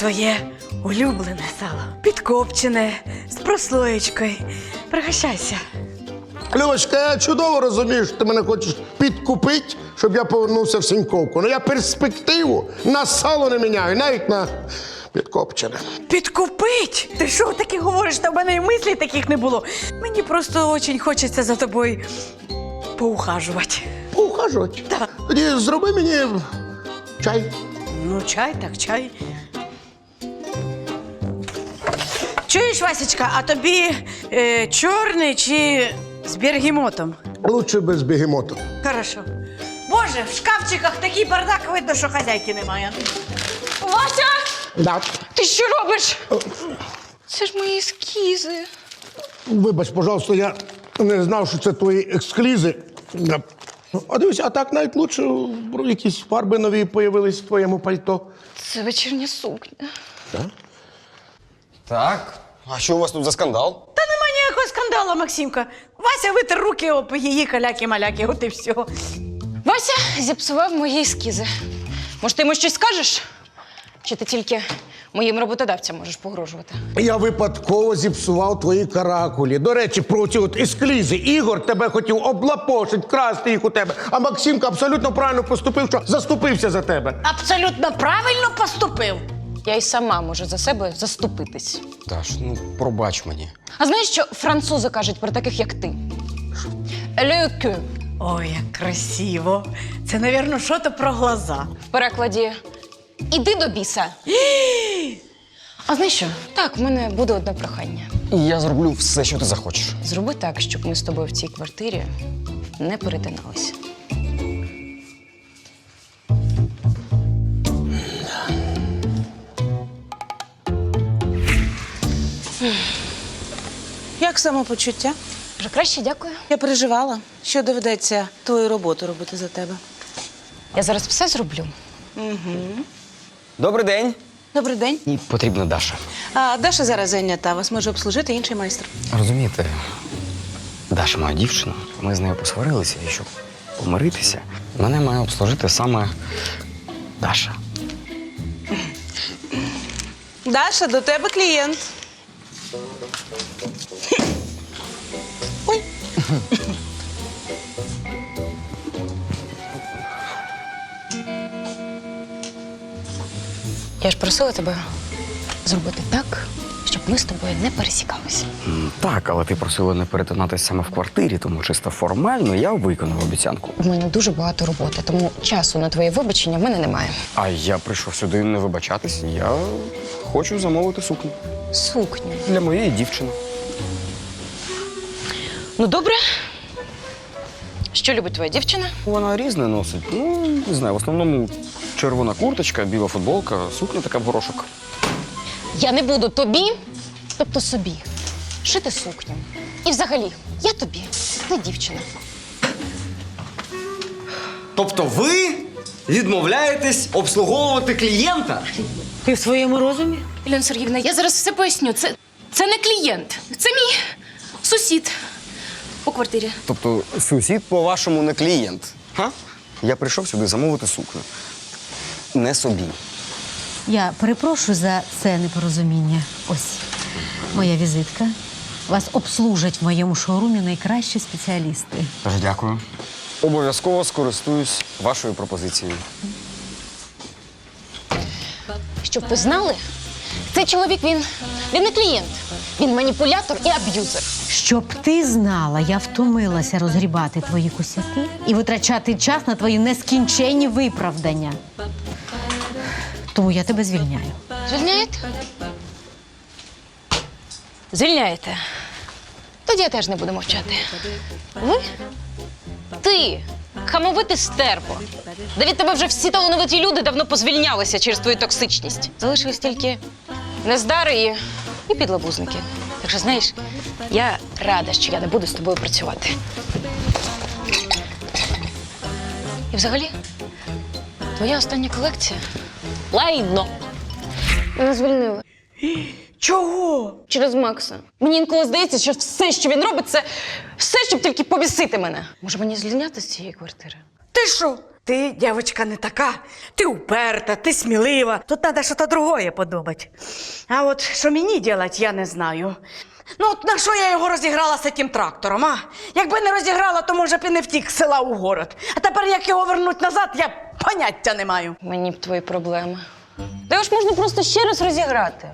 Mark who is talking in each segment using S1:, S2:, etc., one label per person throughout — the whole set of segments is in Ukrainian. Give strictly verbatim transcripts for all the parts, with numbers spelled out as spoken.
S1: твоє улюблене сало. Підкопчене, з прослоєчкою. Пригощайся.
S2: Любочка, я чудово розумію, що ти мене хочеш підкупити, щоб я повернувся в Сіньковку. Ну я перспективу на сало не міняю, навіть на підкопчене.
S1: Підкупить? Ти що таке говориш? Та в мене і мислі таких не було. Мені просто дуже хочеться за тобою поухажувати.
S2: Поухажувати?
S1: Так.
S2: Тоді зроби мені чай.
S1: Ну, чай, так чай. Чуєш, Васечка, а тобі е, чорний чи з бергемотом?
S2: Лучше без бегемоту.
S1: Хорошо. Боже, в шкафчиках такий бардак, видно, що хазяйки немає.
S3: Вася!
S2: Да.
S3: Ти що робиш? Це ж мої ескізи.
S2: Вибач, пожалуйста, я не знав, що це твої ексклізи. А дивись, а так навіть лучше якісь фарби нові появились в твоєму пальто.
S3: Це вечірня сукня.
S4: Так. А що у вас тут за скандал?
S1: Та нема ніякого скандалу, Максимка. Вася витер руки об її каляки-маляки, от і все.
S3: Вася зіпсував мої ескізи. Може, ти йому щось скажеш? Чи ти тільки моїм роботодавцям можеш погрожувати?
S2: Я випадково зіпсував твої каракулі. До речі, про ці от ескалізи. Ігор тебе хотів облапошить, красти їх у тебе. А Максимка абсолютно правильно поступив, що заступився за тебе.
S1: Абсолютно правильно поступив.
S3: Я й сама можу за себе заступитись.
S4: Даш, ну пробач мені.
S3: А знаєш, що французи кажуть про таких, як ти? Le cul.
S1: Ой, як красиво. Це, навірно, що то про глаза.
S3: В перекладі «Іди до біса». А знаєш що? Так, в мене буде одне прохання.
S4: І я зроблю все, що ти захочеш.
S3: Зроби так, щоб ми з тобою в цій квартирі не перетиналися.
S5: Як самопочуття?
S3: Вже краще, дякую.
S5: Я переживала, що доведеться твою роботу робити за тебе.
S3: Я зараз все зроблю.
S4: Добрий день.
S5: Добрий день.
S4: І потрібна Даша.
S5: А Даша зараз зайнята, вас може обслужити інший майстер.
S4: Розумієте, Даша моя дівчина. Ми з нею посварилися, і щоб помиритися, мене має обслужити саме Даша.
S5: Даша, до тебе клієнт. Ой.
S3: Я ж просила тебе зробити так, щоб ми з тобою не пересікалися.
S4: М, Так, але ти просила не перетинатися саме в квартирі, тому чисто формально я виконав обіцянку.
S3: У мене дуже багато роботи, тому часу на твоє вибачення в мене немає.
S4: А я прийшов сюди не вибачатись. Я хочу замовити сукню
S3: Сукню.
S4: для моєї дівчини.
S3: Ну, добре. Що любить твоя дівчина?
S4: Вона різне носить. Ну, не знаю, в основному червона курточка, біла футболка, сукня така в горошок.
S3: Я не буду тобі, тобто собі, шити сукню. І взагалі, я тобі не дівчина.
S6: Тобто ви відмовляєтесь обслуговувати клієнта?
S5: Ти в своєму розумі?
S3: Ілона Сергіївна, я зараз все поясню. Це, це не клієнт, це мій сусід по квартирі.
S4: Тобто сусід, по-вашому, не клієнт. Га? Я прийшов сюди замовити сукню. Не собі.
S7: Я перепрошую за це непорозуміння. Ось моя візитка. Вас обслужать в моєму шоурумі найкращі спеціалісти.
S4: Тож дякую. Обов'язково скористуюсь вашою пропозицією.
S3: Щоб ви знали, цей чоловік, він, він не клієнт. Він маніпулятор і аб'юзер.
S7: Щоб ти знала, я втомилася розгрібати твої косяки і витрачати час на твої нескінченні виправдання. Тому я тебе звільняю.
S3: Звільняєте? Звільняєте. Тоді я теж не буду мовчати. Ви? Ти, хамовити стерво. Да від тебе вже всі талановиті люди давно позвільнялися через твою токсичність. Залишились тільки нездари і, і підлабузники. Так що, знаєш, я рада, що я не буду з тобою працювати. І взагалі, твоя остання колекція – лайно. Мене звільнили.
S1: Чого?
S3: Через Макса. Мені інколи здається, що все, що він робить, це все, щоб тільки повісити мене. Може, мені звільняти з цієї квартири?
S1: Ти що? Ти, дівчинка, не така. Ти уперта, ти смілива. Тут треба щось другое подумати. А от що мені робити, я не знаю. Ну от на що я його розіграла з цим трактором, а? Якби не розіграла, то, може б і не втік з села у город. А тепер, як його вернуть назад, я поняття не маю.
S3: Мені б твої проблеми. Та його ж можна просто ще раз розіграти.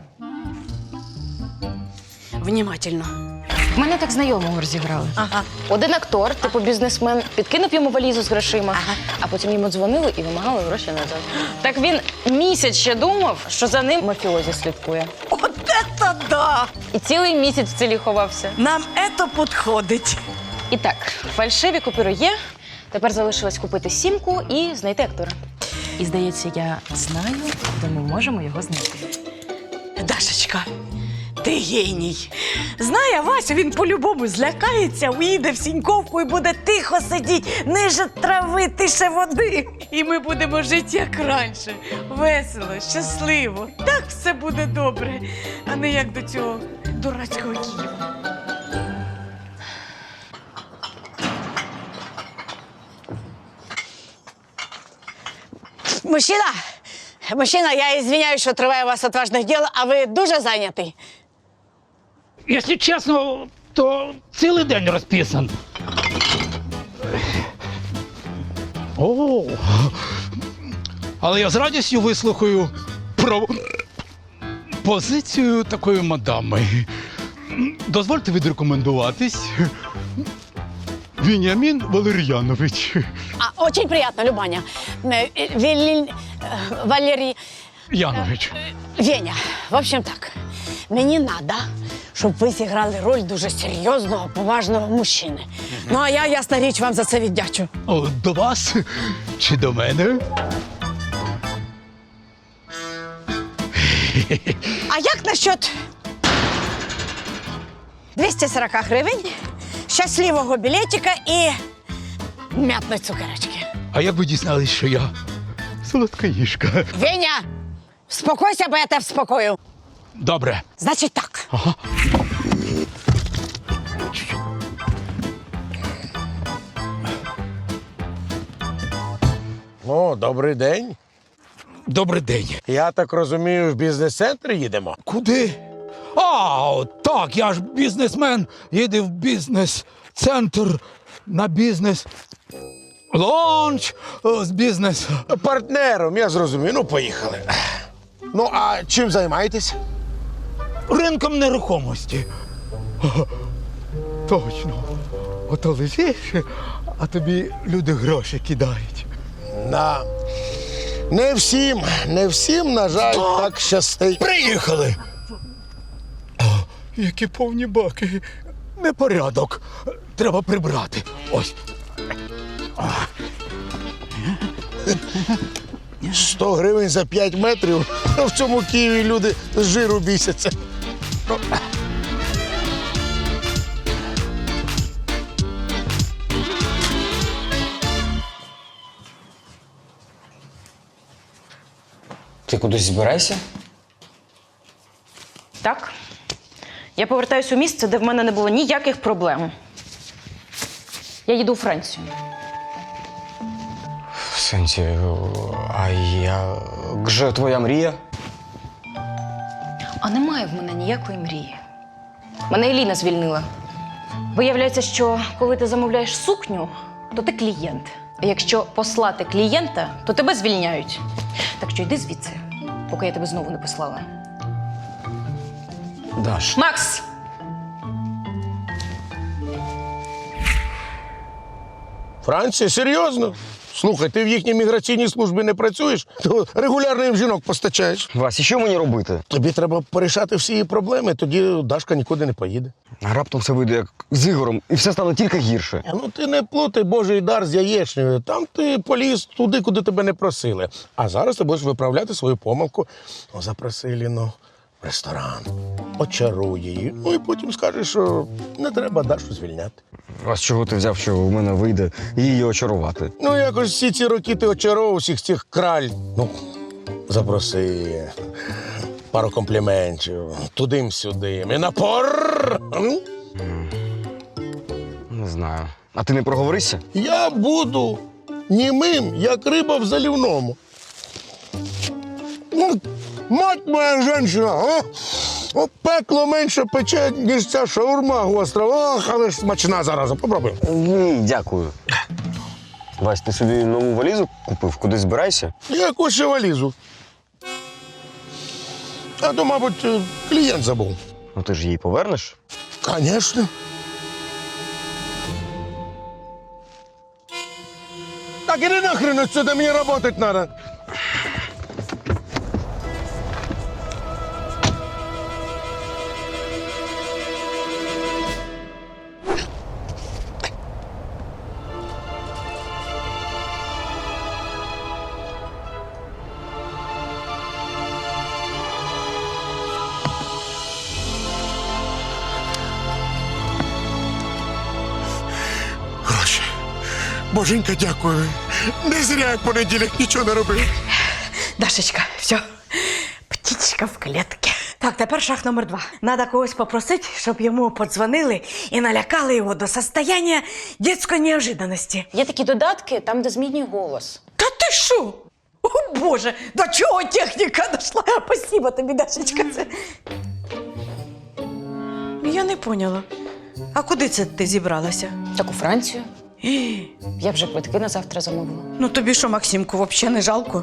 S1: Внімательно.
S3: В мене так знайомого розіграли.
S1: Ага.
S3: Один актор, типу бізнесмен, підкинув йому валізу з грошима, а потім йому дзвонили і вимагали гроші назад. Так він місяць ще думав, що за ним мафіозі слідкує.
S1: От це да!
S3: І цілий місяць в селі ховався.
S1: Нам це підходить.
S3: І так, фальшиві купюри є. Тепер залишилось купити сімку і знайти актора. І здається, я знаю, де ми можемо його знайти.
S1: Дашечка, ти геній. Знає Вася, він по-любому злякається, уїде в Сіньковку і буде тихо сидіти, ниже трави, тише води. І ми будемо жити як раніше. Весело, щасливо. Так все буде добре, а не як до цього дурацького Києва.
S8: Мужчина, мужчина, я извиняюсь, що триває у вас отважних діл, а ви дуже зайнятий.
S9: Якщо чесно, то цілий день розписан. О, але я з радістю вислухаю про позицію такої мадами. Дозвольте відрекомендуватись. Веніамін Валер'янович.
S8: А, очень приятно, Любаня. Е, е, Вілі... е, Валерій...
S9: Янович.
S8: Веня, в общем так, мені надо, щоб ви зіграли роль дуже серйозного, поважного мужчини. Ну, а я, ясна річ, вам за це віддячу.
S9: О, до вас чи до мене?
S8: А як насчет двісті сорок гривень, щасливого білетика і м'ятної цукерочки?
S9: А як ви дізнались, що я солодкаїшка?
S8: Веня, спокойся, бо я тебе вспокою.
S9: Добре.
S8: Значить так.
S9: Ага.
S2: О, добрий день.
S9: Добрий день.
S2: Я так розумію, в бізнес-центр їдемо?
S9: Куди? А, от так, я ж бізнесмен, їду в бізнес-центр на бізнес. Ланч е, з бізнес.
S2: Партнером, я зрозумів. Ну, поїхали. Ну, а чим займаєтесь?
S9: Ринком нерухомості. Ага, точно. Ото лежиш, а тобі люди гроші кидають.
S2: Да. Не всім, не всім, на жаль, так щастить.
S9: Приїхали. А, які повні баки. Непорядок. Треба прибрати. Ось.
S2: сто гривень за п'ять метрів. В цьому Києві люди з жиру бісяться.
S4: Ти кудись збираєшся?
S3: Так. Я повертаюся у місце, де в мене не було ніяких проблем. Я їду у Францію.
S4: В сенсі, а я. Гже твоя мрія?
S3: А немає в мене ніякої мрії. Мене Еліна звільнила. Виявляється, що коли ти замовляєш сукню, то ти клієнт. А якщо послати клієнта, то тебе звільняють. Так що йди звідси, поки я тебе знову не послала.
S4: Даш.
S3: Макс!
S2: Франція? Серйозно? Слухай, ти в їхній міграційній службі не працюєш, то регулярно їм жінок постачаєш.
S4: Вась, і що мені робити?
S2: Тобі треба порішати всі її проблеми, тоді Дашка нікуди не поїде.
S4: А раптом все вийде як з Ігорем, і все стане тільки гірше.
S2: А ну ти не плутай Божий дар з яєчнею. Там ти поліз туди, куди тебе не просили. А зараз ти будеш виправляти свою помилку. Ну, запроси Ліну в ресторан, очаруй її. Ну і потім скажеш, що не треба Дашу звільняти.
S4: А з чого ти взяв, що в мене вийде її очарувати?
S2: Ну, якось всі ці роки ти очаровував всіх цих краль. Ну, запроси пару компліментів, туди-сюди. І напор. М?
S4: Не знаю. А ти не проговоришся?
S2: Я буду. німим, як риба в залівному. Ну, мать моя жінка, а? О, пекло менше пече, ніж ця шаурма гостра. Ох, але ж смачна зараза. Попробуй.
S4: Ні, дякую. Вась, ти собі нову валізу купив? Кудись збирайся?
S2: Яку ще валізу? А то, мабуть, клієнт забув.
S4: Ну ти ж її повернеш?
S2: Конечно. Так іди нахрен отсюда, мені работать надо. Гроші. Боженька, дякую. Не зря як понеділок нічого не робив.
S1: Дашечка, все. Птічка в клітці. Так, тепер шаг номер два. Надо когось попросити, щоб йому подзвонили і налякали його до состояння дитячої неожиданності.
S3: Є такі додатки, там, де змінює голос.
S1: Та ти що? О, Боже, до чого техніка дійшла? Спасибо тобі, Дашечка. Це... Я не поняла. А куди це ти зібралася?
S3: Так у Францію. Я вже квитки на завтра замовила.
S1: Ну тобі що, Максимку, взагалі не жалко?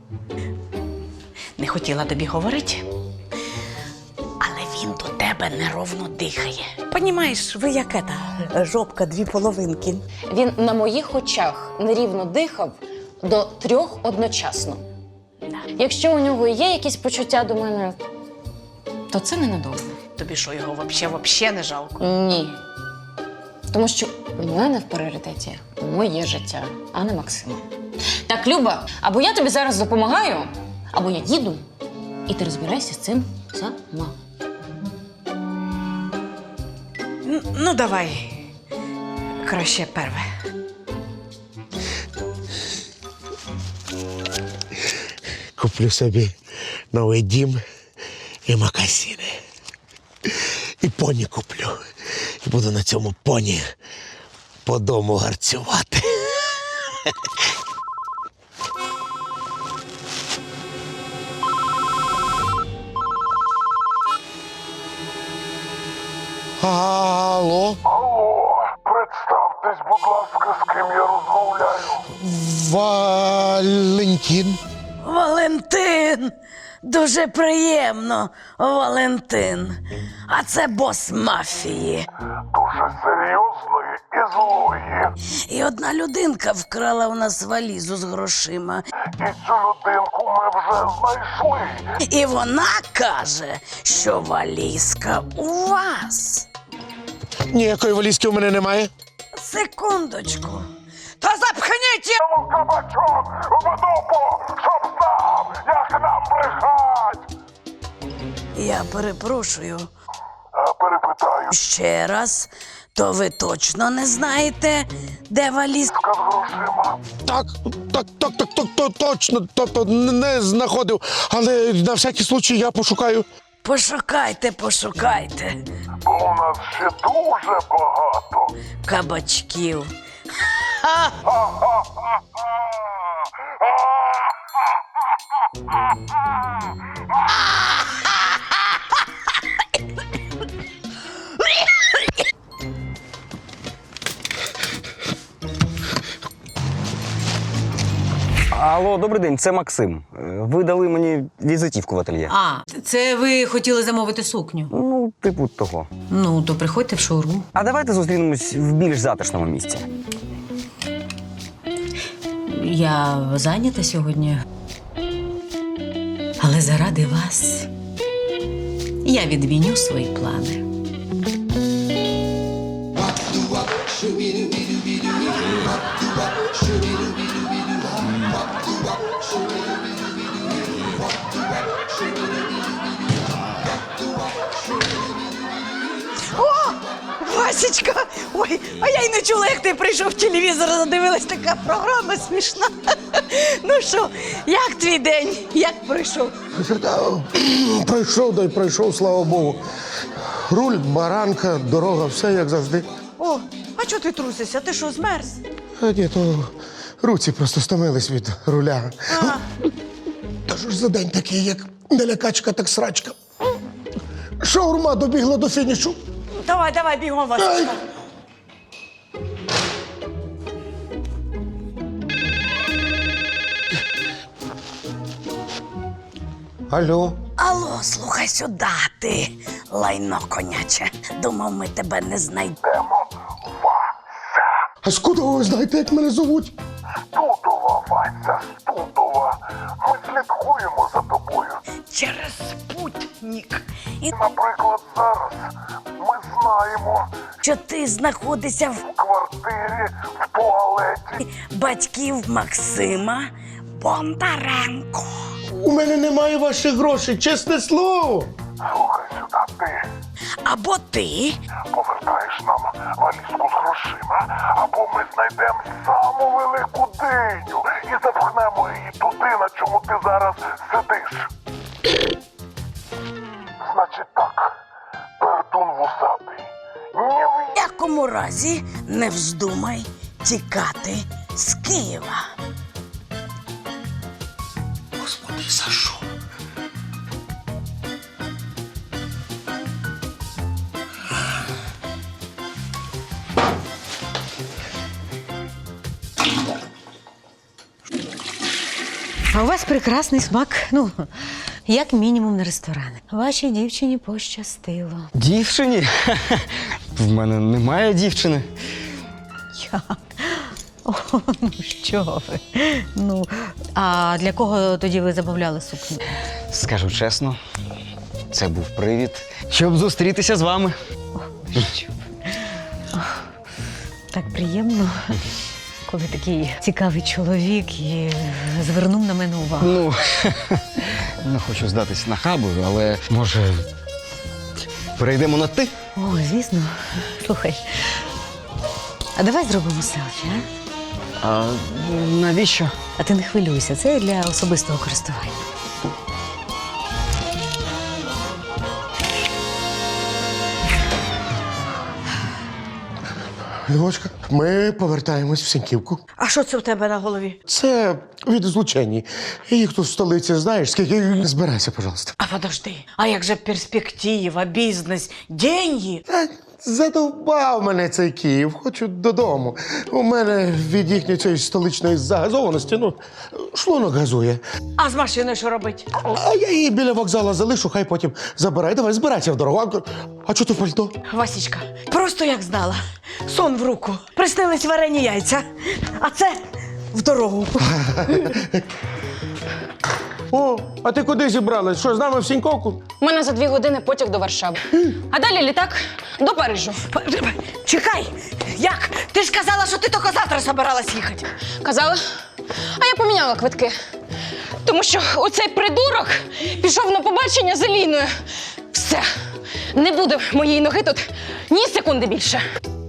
S1: Не хотіла тобі говорити, але він до тебе неровно дихає. Понімаєш, ви як ета, жопка дві половинки.
S3: Він на моїх очах нерівно дихав до трьох одночасно. Якщо у нього є якісь почуття до мене, то це ненадовго.
S1: Тобі що, його взагалі, взагалі не жалко?
S3: Ні. Тому що у мене в пріоритеті моє життя, а не Максима. Так, Люба, або я тобі зараз допомагаю, або я їду, і ти розбирайся з цим сама.
S1: Н- Ну, давай. Краще перве.
S2: Куплю собі новий дім і макасини. І поні куплю. І буду на цьому поні по дому гарцювати. Алло.
S10: Алло, представтесь, будь ласка, з ким я розмовляю.
S2: Валентин.
S1: Валентин! Дуже приємно, Валентин. А це бос мафії.
S10: Дуже серйозної і злої.
S1: І одна людинка вкрала у нас валізу з грошима.
S10: І цю людинку ми вже знайшли.
S1: І вона каже, що валізка у вас.
S2: Ніякої валізки у мене немає.
S1: Секундочку. Та запхніть!
S10: Тому кабачок в дупу, щоб знав, як нам брехать.
S1: Я перепрошую.
S10: А перепитаю,
S1: Ще раз, то ви точно не знаєте, де валізка?
S10: з грошима.
S2: Так, так, так, так, так, так, точно, тобто не знаходив, але на всякий случай я пошукаю.
S1: Пошукайте, пошукайте.
S10: Бо у нас ще дуже багато.
S1: Кабачків.
S4: Алло, добрий день, це Максим. Е, Ви дали мені візитівку в ательє.
S7: А, це ви хотіли замовити сукню?
S4: Ну, типу того.
S7: Ну, то приходьте в шоурум.
S4: А давайте зустрінемось в більш затишному місці.
S7: Я зайнята сьогодні. Але заради вас я відміню свої плани.
S1: О, Васечка! Ой, а я й не чула, як ти прийшов в телевізор, задивилась, така програма смішна. Ну що, як твій день? Як пройшов?
S2: Пройшов, да й пройшов, слава Богу. Руль, баранка, дорога, все як завжди.
S1: О, а чого ти трусишся? Ти що, змерз?
S2: А ні, то руці просто стомились від руля. Та що ж за день такий, як не лякачка, так срачка. Шаурма добігла до фінішу.
S1: Давай, давай, бігом, Васечка.
S2: Алло.
S1: Алло, слухай сюди, ти лайно коняче. Думав, ми тебе не знайдемо.
S2: А скуда ви знаєте, як мене зовуть?
S10: Студова, Вася, Студова. Ми слідкуємо за тобою.
S1: Через спутник. І,
S10: Наприклад, зараз ми знаємо
S1: що ти знаходишся в
S10: в квартирі, в туалеті.
S1: батьків Максима Бондаренко.
S2: У мене немає ваших грошей, чесне слово.
S10: Слухай сюди, ти
S1: Або ти,
S10: повертаєш нам валізку з грошима, або ми знайдемо саму велику диню і запхнемо її туди, на чому ти зараз сидиш. Значить так, пердун вусатий. Ні в
S1: в якому разі не вздумай тікати з Києва.
S2: Господи, за що?
S7: А у вас прекрасний смак, ну, як мінімум на ресторани. Вашій дівчині пощастило.
S4: Дівчині? В мене немає дівчини.
S7: Як? О, ну що ви? Ну, а для кого тоді ви замовляли сукню?
S4: Скажу чесно, це був привід, щоб зустрітися з вами.
S7: Що ви? О, так приємно, коли такий цікавий чоловік і звернув на мене увагу.
S4: Ну, не хочу здатись нахабою, але може перейдемо на ти?
S7: О, звісно. Слухай, а давай зробимо селфі, а?
S4: А навіщо?
S7: А ти не хвилюйся, це для особистого користування.
S2: Львочка, ми повертаємось в Сіньківку.
S1: А що це в тебе на голові?
S2: Це від злучені. Їх тут в столиці знаєш, скільки збирайся, пожалуйста.
S1: А подожди, а як же перспектива, бізнес, деньги?
S2: Та задовбав мене цей Київ, хочу додому. У мене від їхньої цієї столичної загазованості, ну, шлунок газує.
S1: А з машиною що робить?
S2: А я її біля вокзалу залишу, хай потім забирай. Давай, збирайся в дорогу. А, а чого ти в пальто?
S1: Васічка, просто як знала. Сон в руку. Приснились варені яйця. А це в дорогу.
S2: О, а ти куди зібралась? Що, з нами в Сіньковку?
S3: У мене за дві години потяг до Варшави. А далі літак до Парижу.
S1: Чекай! Як? Ти ж казала, що ти тільки завтра збиралась їхати.
S3: Казала? А я поміняла квитки. Тому що оцей придурок пішов на побачення з Еліною. Все. Не буде моєї ноги тут ні секунди більше.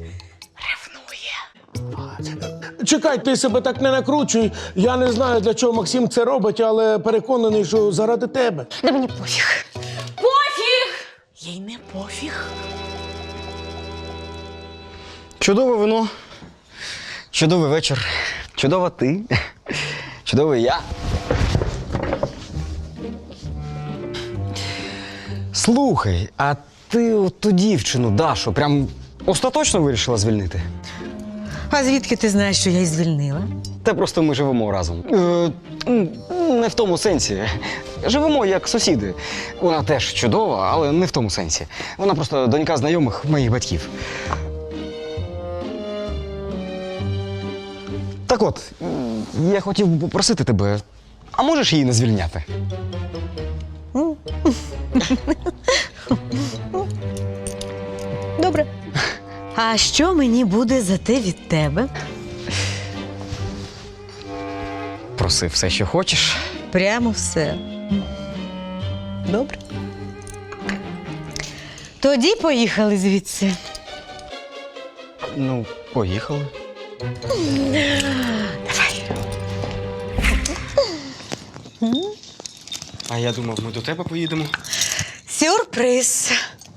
S2: Чекай, ти себе так не накручуй. Я не знаю, для чого Максим це робить, але переконаний, що заради тебе.
S3: Да мені пофіг. Пофіг!
S1: Їй не пофіг.
S4: Чудове вино, чудовий вечір, чудова ти, чудовий я. Слухай, а ти от ту дівчину, Дашу, прям остаточно вирішила звільнити?
S7: А звідки ти знаєш, що я її звільнила?
S4: Та просто ми живемо разом. Е, м, не в тому сенсі. Живемо як сусіди. Вона теж чудова, але не в тому сенсі. Вона просто донька знайомих моїх батьків. Так от, м, я хотів би попросити тебе, а можеш її не звільняти?
S7: Добре. А що мені буде за те від тебе?
S4: Проси все, що хочеш.
S7: Прямо все. Добре. Тоді поїхали звідси.
S4: Ну, поїхали.
S7: Давай.
S4: А я думав, ми до тебе поїдемо.
S7: Сюрприз.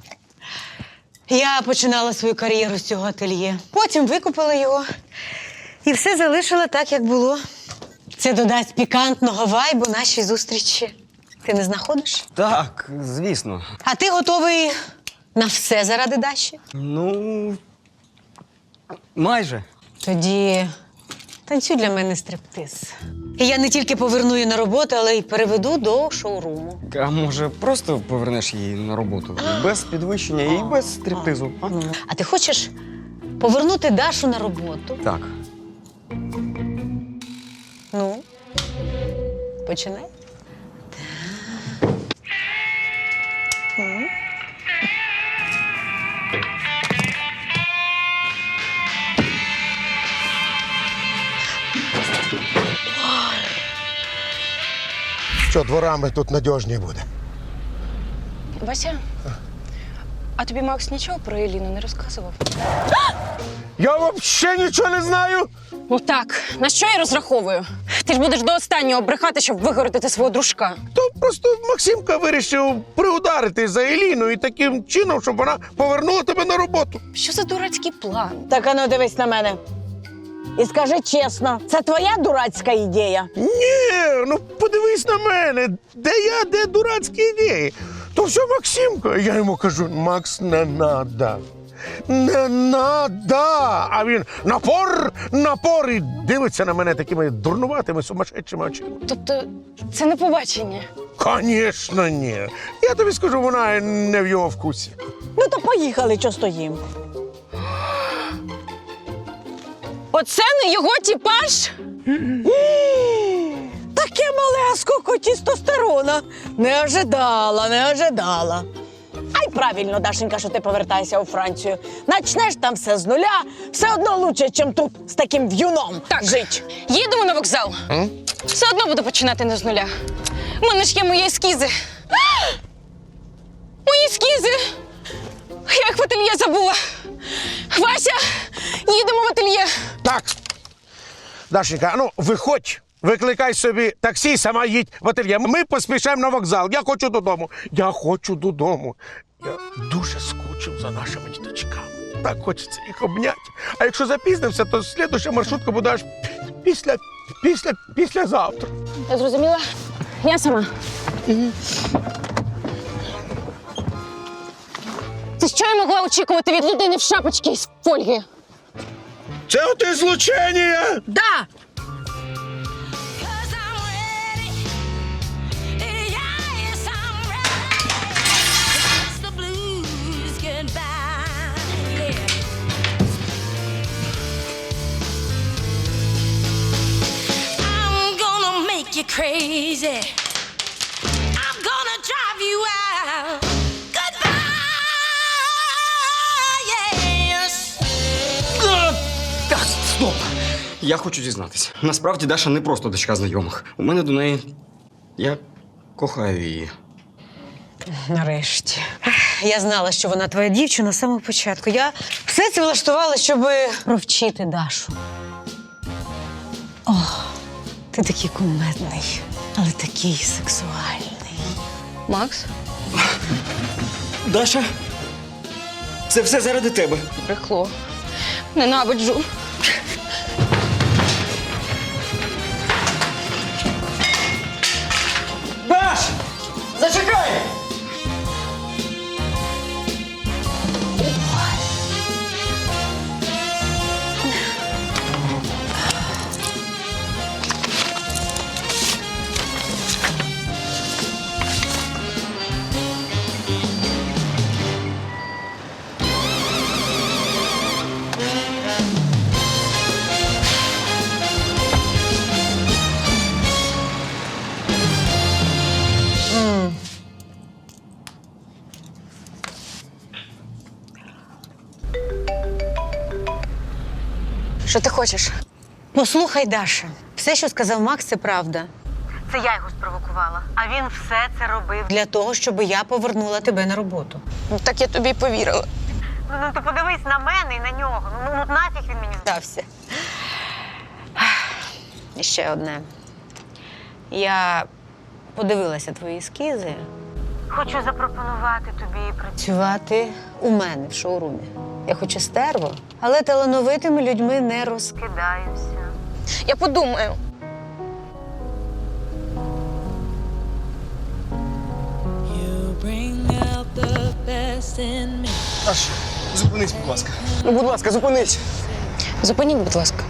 S7: Я починала свою кар'єру з цього ательє. Потім викупила його І все залишила так, як було. Це додасть пікантного вайбу нашій зустрічі. Ти не знаходиш?
S4: Так, звісно.
S7: А ти готовий на все заради Даші?
S4: Ну. Майже.
S7: Тоді танцюй для мене стриптиз. І я не тільки поверну її на роботу, але й переведу до шоуруму.
S4: А може, просто повернеш її на роботу? Без підвищення і без стриптизу. А?
S7: А ти хочеш повернути Дашу на роботу?
S4: Так.
S7: Ну, починай.
S2: Що, дворами тут надіжні буде.
S3: Вася, а тобі Макс нічого про Еліну не розказував?
S2: Я взагалі нічого не знаю.
S3: Ну так, на що я розраховую? Ти ж будеш до останнього брехати, щоб вигородити свого дружка.
S2: То просто Максимка вирішив приударити за Еліну і таким чином, щоб вона повернула тебе на роботу.
S3: Що за дурацький план?
S8: Так ану, дивись на мене. І скажи чесно, це твоя дурацька ідея?
S2: Ні, ну подивись на мене, де я, де дурацькі ідеї. То все Максимка. Я йому кажу, Макс, не надо. Не надо. А він напор, напор і дивиться на мене такими дурнуватими, сумасшедшими очима.
S3: Тобто, це не побачення.
S2: Звісно, ні. Я тобі скажу, вона не в його вкусі.
S8: Ну то поїхали, що стоїм.
S3: Оце не його типаж?
S8: Таке мале скільки тестостерона. Не ожидала, не ожидала. А й правильно, Дашенька, що ти повертаєшся у Францію. Начнеш там все з нуля, все одно лучше, ніж тут з таким в'юном
S3: Так.
S8: жить.
S3: Їдемо на вокзал.
S2: М?
S3: Все одно буду починати не з нуля. У мене ж є мої ескізи. Мої ескізи! Я їх в ательє забула. Вася, їдемо в ательє.
S2: Так. Дашенька, ну виходь, викликай собі таксі, сама їдь в ательє. Ми поспішаємо на вокзал. Я хочу додому. Я хочу додому. Я дуже скучив за нашими діточками. Так хочеться їх обняти. А якщо запізнимося, то слідуща маршрутка буде аж після, після, післязавтра.
S3: Я зрозуміла. Я сама. Це що я могла очікувати від людини в шапочці з фольги?
S2: Це оте злучення!
S8: Да!
S11: Crazy. I'm gonna drive you out. Goodbye, yes.
S4: Так, стоп! Я хочу дізнатися. Насправді Даша не просто дочка знайомих. У мене до неї. Я кохаю її.
S7: Нарешті. Я знала, що вона твоя дівчина з самого початку. Я все це влаштувала, щоб провчити Дашу. О, ти такий кумедний, але такий сексуальний.
S3: Макс?
S6: Даша, це все заради тебе.
S3: Брехло. Ненавиджу.
S6: Даш! Зачекай!
S3: Що ти хочеш?
S7: Послухай, Даша, все, що сказав Макс, це правда. Це я його спровокувала, а він все це робив для того, щоб я повернула тебе на роботу.
S3: Ну, так я тобі повірила.
S7: Ну, ну ти подивись на мене і на нього. Ну, ну нафіг він мені здався. І ще одне. Я подивилася твої ескізи. Хочу запропонувати тобі працювати у мене в шоурумі. Я хочу стерво, але талановитими людьми не розкидаюся.
S3: Я подумаю.
S6: Аж, зупинись, будь ласка. Ну, будь ласка, зупинись.
S3: Зупиніть, будь ласка.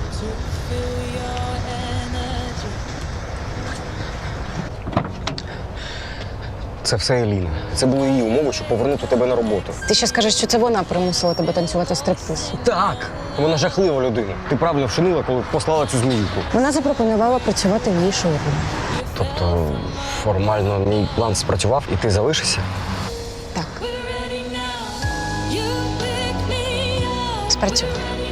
S4: Це все Еліна. Це були її умови, щоб повернути тебе на роботу.
S3: Ти ще скажеш, що це вона примусила тебе танцювати стриптиз.
S4: Так. Вона жахлива людина. Ти правильно вчинила, коли послала цю зміюку.
S3: Вона запропонувала працювати в її шоурумі.
S4: Тобто, формально мій план спрацював і ти залишишся?
S3: Так. Спрацював.